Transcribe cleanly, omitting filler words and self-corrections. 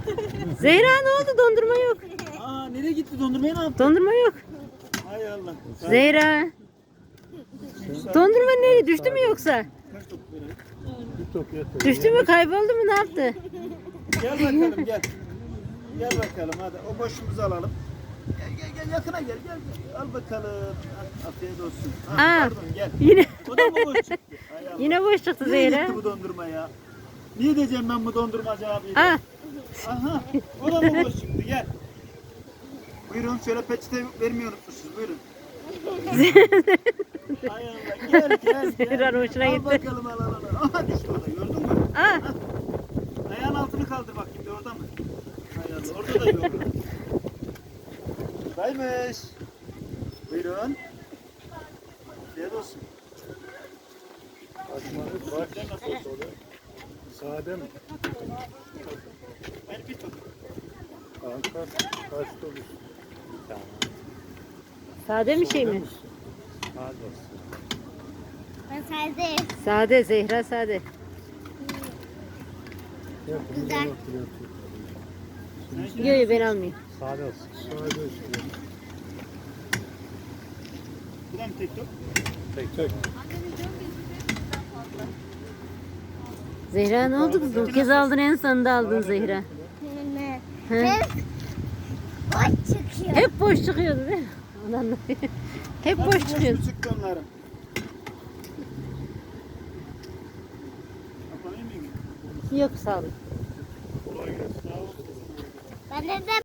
Zehra ne oldu? Dondurma yok. Aa nereye gitti dondurmaya ne yaptı? Dondurma yok. Hay Allah. Zehra. Dondurma nereye? Düştü mü yoksa? Kaç top verelim? Bir top yeter. Düştü mü? Kayboldu mu? Ne yaptı? Gel bakalım gel. Gel bakalım hadi o boşumuzu alalım. Gel yakına gel gel. Al bakalım. Afiyet olsun. Aa, Pardon gel. Yine O da mı boş çıktı? Hay Allah. yine boş çıktı Nereye Zehra. gitti bu dondurma ya? Niye diyeceğim ben bu dondurmacı abiye? Ah, Aha o da mı boş çıktı gel. Buyurun şöyle peçete vermeyi unutmuşuz buyurun. Hay Allah gel. Zehra'nın hoşuna Al gitti. bakalım al. Aha düştü o da gördün mü? Ah, Ayağın altını kaldır bakayım bir orada mı? Hay Allah orada da yok. Buradaymış. Buyurun. Afiyet olsun. Açmanız var. Sen nasıl olsa oluyor? Sade mi? Ben bir top. Kanka kaç top? Tamam. sade bir şey mi? Sade. Ben sade. Sade Zehra sade. Güzel. Yok yok ben almayayım. Sade olsun. Sade işte. Bu da mı tek top? Tek. Zehra ne oldu kızım? Bu kez aldın en sonunda aldın Zehra. Ne? He? Boş çıkıyor. Hep boş çıkıyordu değil mi? Ondan dolayı. Hep boş Nasıl çıkıyordu. mu çıktı onların? Kapanayım mı? Yok sağ olun. Kolay gelsin. Sağ olun. Ben de